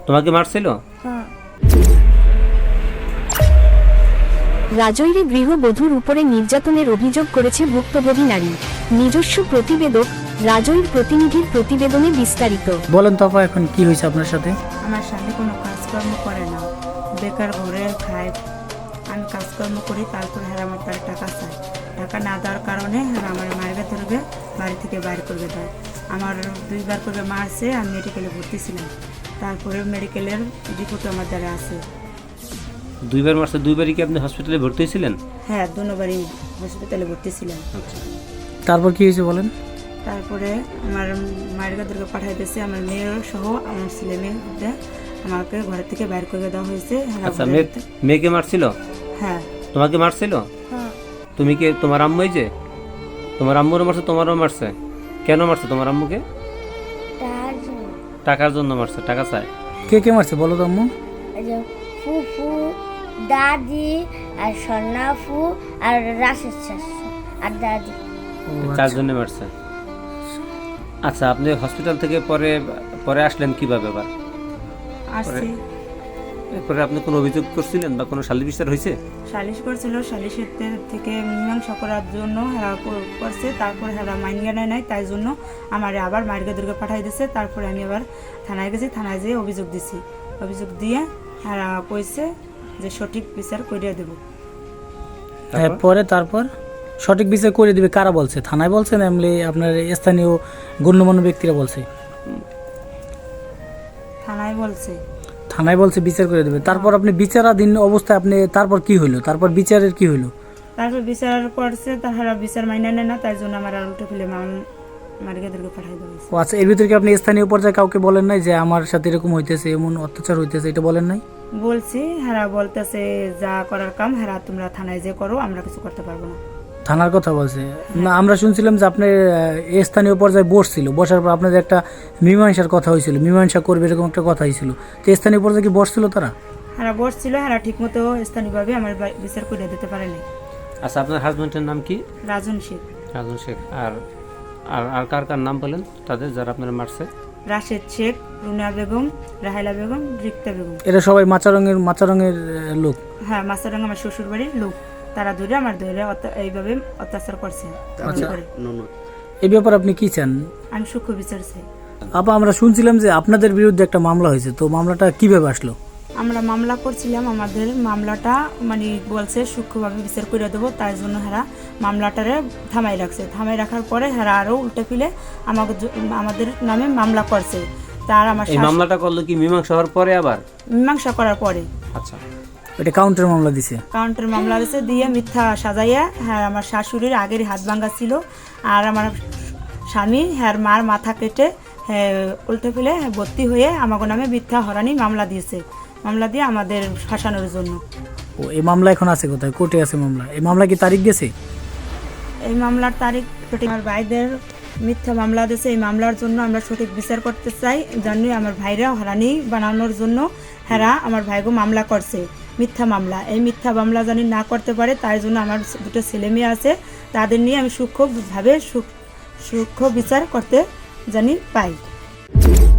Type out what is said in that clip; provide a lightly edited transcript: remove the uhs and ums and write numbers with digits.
তোমাকে মারছিল? হ্যাঁ। রাজৈরে গৃহবধূর উপরে নির্যাতনের অভিযোগ করেছে ভুক্তভোগী নারী। নিজস্ব প্রতিবেদক রাজৈর প্রতিনিধির প্রতিবেদনে বিস্তারিত। বলেন তো আপা, এখন কি হয়েছে আপনার সাথে? আমার স্বামী কোনো কাজকর্ম করে না, বেকার ঘরে খায়। আমি কাজকর্ম করি, তারপর হ্যাঁ আমার তার টাকা চায়। টাকা না দেওয়ার কারণে হ্যাঁ আমার মায়ের ধরবে, বাড়ি থেকে বাইরে করবে দেয়। আমার 2বার করে মারছে। আমি মেডিকেলে ভর্তি ছিলাম, তারপরে মেডিকেলের রিপোর্ট আমার দ্বারা আছে। 2বার মারছে? 2বারই কি আপনি হসপিটালে ভর্তি হয়েছিলেন? হ্যাঁ, 2বারই হসপিটালে ভর্তি ছিলাম। আচ্ছা, তারপর কি হয়েছে বলেন? তারপরে আমার মায়ের কাছে পাঠাই দিয়েছে। আমার মেয়ের সহ আমার ছেলে মেয়েদের আমাকে ঘরের থেকে বাইর করে দেওয়া হয়েছে। আচ্ছা, মেয়েকে মারছিল? হ্যাঁ। তোমাকে মারছিল? হ্যাঁ। তুমি কি তোমার আম্মুই যে তোমার আম্মুরও মারছে, তোমারও মারছে? কেন মারছে তোমার আম্মুকে? টাকার জন্য মারছে, টাকা চায়। কে কে মারছে বলো তো আম্মু? ফুফু, দাদি আর সন্নাফু আর রাশেদ শাশু আর দাদি। চার জন্য মারছে। আচ্ছা, আপনি হসপিটাল থেকে পরে আসলেন কিভাবে? আবার আসছি। এরপরে আপনি কোনো অভিযোগ করছিলেন বা কোনো সালিশ বিচার হয়েছে? সালিশ করছিল, সালিশের থেকে মীমাংসা করার জন্য হেরা করছে। তারপর হেরা মাইনিয়া নেয় নাই, তাই জন্য আমার আবার মায়ের দুর্গে পাঠাই দিছে। তারপরে আমি আবার থানায় গেছি, থানায় যেয়ে অভিযোগ দিছি। অভিযোগ দিয়ে হেরা কইছে যে সঠিক বিচার করিয়া দেব। হ্যাঁ, পরে তারপর সঠিক বিচার করে দিবে কারা বলছে? থানায় বলছে না এমনি আপনার স্থানীয় গণ্যমান্য ব্যক্তিরা বলছে? থানায় বলছে। থানায় বলছে বিচার করে দেবে। তারপর আপনি বিচারাধীন অবস্থায় আপনি তারপর কি হইলো? তারপর বিচারের কি হইলো? তারপর বিচার করছে, তারা বিচার মাইনা নেয় না, তাই জন্য আমার আর উল্টো ফেলে মার্গে দুর্গে পাঠাই দেওয়া হয়েছে। ও আচ্ছা, এর ভিতরে কি আপনি স্থানীয় পর্যায়ে কাউকে বলেন নাই যে আমার সাথে এরকম হইতেছে, এমন অত্যাচার হইতেছে, এটা বলেন নাই? বলছি, হেরা বলতেছে যা করার কাম হেরা তোমরা থানায় যে করো, আমরা কিছু করতে পারবো না। থানার কথা বলছে না? আমরা শুনছিলাম যে আপনার স্থানীয় পর্যায়ে বসছিল, বসার পর আপনাদের একটা মীমাংসার কথা হয়েছিল, মীমাংসা করবে এরকম একটা কথা হয়েছিল। তো স্থানীয় পর্যায়ে কি বসছিল তারা? হেরা বসছিল, হেরা ঠিক মতো স্থানীয়ভাবে আমার বিচার করে দিতে পারেনি। আচ্ছা, আপনার হাজবেন্ডের নাম কি? রাজন শেখ। রাজন শেখ। আর আর কার কার নাম বলেন তাদের, যারা আপনারা মারছে? রাশেদ শেখ, রুনা বেগম, রাহেলা বেগম, রিক্তা বেগম। এরা সবাই মাচারঙের লোক? হ্যাঁ, মাস্টারডাঙ্গা আমার শ্বশুর বাড়ির লোক। তারা ধরে আমার ধরে এইভাবে অত্যাচার করছে। আচ্ছা, এই ব্যাপারে আপনি কি চান? আমি সূক্ষ্ম বিচার চাই। আপা, আমরা শুনছিলাম যে আপনাদের বিরুদ্ধে একটা মামলা হয়েছে, তো মামলাটা কিভাবে আসলো? আমরা মামলা করছিলাম, আমাদের মামলাটা মানে বলছে সূক্ষ্মভাবে বিচার করে দেবো, তাই জন্য হেরা মামলাটারে থামাই রাখছে। থামাই রাখার পরে হেরা আরও উল্টে ফিলে আমাদের নামে মামলা করছে। তার আমার এই মামলাটা করলো কি মীমাংসা হওয়ার পরে? আবার মীমাংসা করার পরে আচ্ছা, এটা কাউন্টার মামলা দিছে? কাউন্টার মামলা দিছে, দিয়ে মিথ্যা সাজাইয়া। হ্যাঁ, আমার শাশুড়ির আগের হাত ভাঙ্গা ছিল, আর আমার স্বামী হ্যাঁ মার মাথা কেটে হ্যাঁ উল্টে ফেলে ভর্তি হয়ে আমাকে নামে মিথ্যা হরানি মামলা দিয়েছে। মামলা দিয়ে আমাদের ফাঁসানোর জন্য। ও, এই মামলা এখন আছে কোথায়? কোর্টে আছে মামলা? এই মামলা কি তারিখ গেছে? এই মামলার তারিখ আমার ভাইদের মিথ্যা মামলা দিয়েছে। এই মামলার জন্য আমরা সঠিক বিচার করতে চাই, জানি আমার ভাইরা হরানি বানানোর জন্য হেরা আমার ভাইগো মামলা করছে মিথ্যা মামলা। এই মিথ্যা মামলা জানি না করতে পারে, তাই জন্য আমার 2টো ছেলে মেয়ে আছে, তাদের নিয়ে আমি সূক্ষ্মভাবে সূক্ষ্ম বিচার করতে জানি পাই।